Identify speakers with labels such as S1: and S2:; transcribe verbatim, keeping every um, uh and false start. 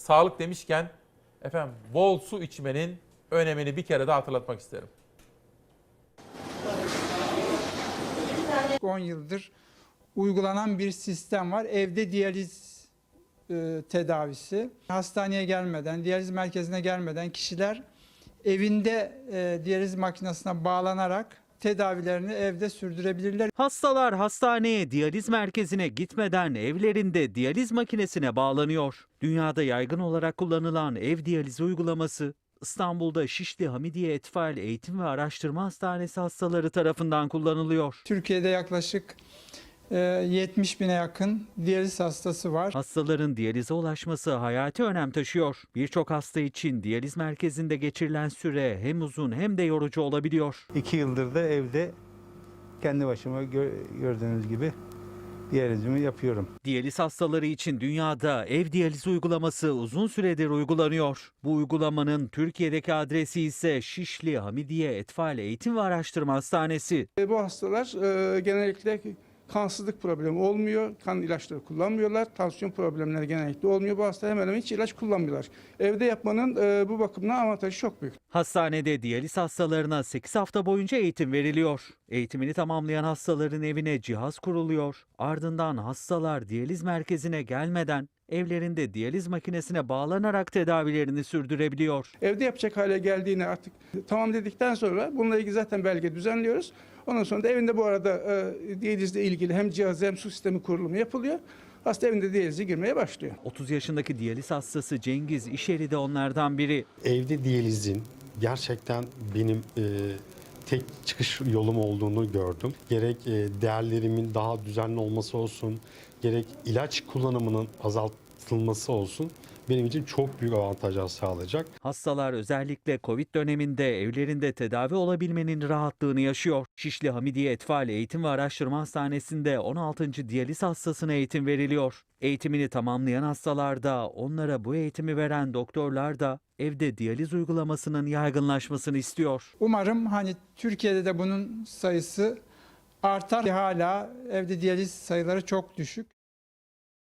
S1: sağlık demişken efendim bol su içmenin önemini bir kere daha hatırlatmak isterim.
S2: on yıldır uygulanan bir sistem var. Evde diyaliz e, tedavisi. Hastaneye gelmeden, diyaliz merkezine gelmeden kişiler evinde e, diyaliz makinesine bağlanarak tedavilerini evde sürdürebilirler.
S3: Hastalar hastaneye, diyaliz merkezine gitmeden evlerinde diyaliz makinesine bağlanıyor. Dünyada yaygın olarak kullanılan ev diyalizi uygulaması İstanbul'da Şişli Hamidiye Etfal Eğitim ve Araştırma Hastanesi hastaları tarafından kullanılıyor.
S2: Türkiye'de yaklaşık e, yetmiş bine yakın diyaliz hastası var.
S3: Hastaların diyalize ulaşması hayati önem taşıyor. Birçok hasta için diyaliz merkezinde geçirilen süre hem uzun hem de yorucu olabiliyor.
S4: İki yıldır da evde kendi başıma gö- gördüğünüz gibi diyalizimi yapıyorum.
S3: Diyaliz hastaları için dünyada ev diyaliz uygulaması uzun süredir uygulanıyor. Bu uygulamanın Türkiye'deki adresi ise Şişli Hamidiye Etfal Eğitim ve Araştırma Hastanesi.
S5: Bu hastalar e, genellikle kansızlık problemi olmuyor, kan ilaçları kullanmıyorlar, tansiyon problemleri genellikle olmuyor. Bu hastalar hemen hemen hiç ilaç kullanmıyorlar. Evde yapmanın e, bu bakımdan avantajı çok büyük.
S3: Hastanede diyaliz hastalarına sekiz hafta boyunca eğitim veriliyor. Eğitimini tamamlayan hastaların evine cihaz kuruluyor. Ardından hastalar diyaliz merkezine gelmeden evlerinde diyaliz makinesine bağlanarak tedavilerini sürdürebiliyor.
S5: Evde yapacak hale geldiğini artık tamam dedikten sonra bununla ilgili zaten belge düzenliyoruz. Ondan sonra da evinde bu arada e, diyalizle ilgili hem cihaz hem su sistemi kurulumu yapılıyor. Hasta evinde diyalize girmeye başlıyor.
S3: otuz yaşındaki diyaliz hastası Cengiz İşeri de onlardan biri.
S6: Evde diyalizin gerçekten benim e, tek çıkış yolum olduğunu gördüm. Gerek e, değerlerimin daha düzenli olması olsun, gerek ilaç kullanımının azaltılması olsun benim için çok büyük avantajlar sağlayacak.
S3: Hastalar özellikle Covid döneminde evlerinde tedavi olabilmenin rahatlığını yaşıyor. Şişli Hamidiye Etfal Eğitim ve Araştırma Hastanesi'nde on altıncı diyaliz hastasına eğitim veriliyor. Eğitimini tamamlayan hastalar da, onlara bu eğitimi veren doktorlar da evde diyaliz uygulamasının yaygınlaşmasını istiyor.
S2: Umarım hani Türkiye'de de bunun sayısı artar. Hala evde diyaliz sayıları çok düşük.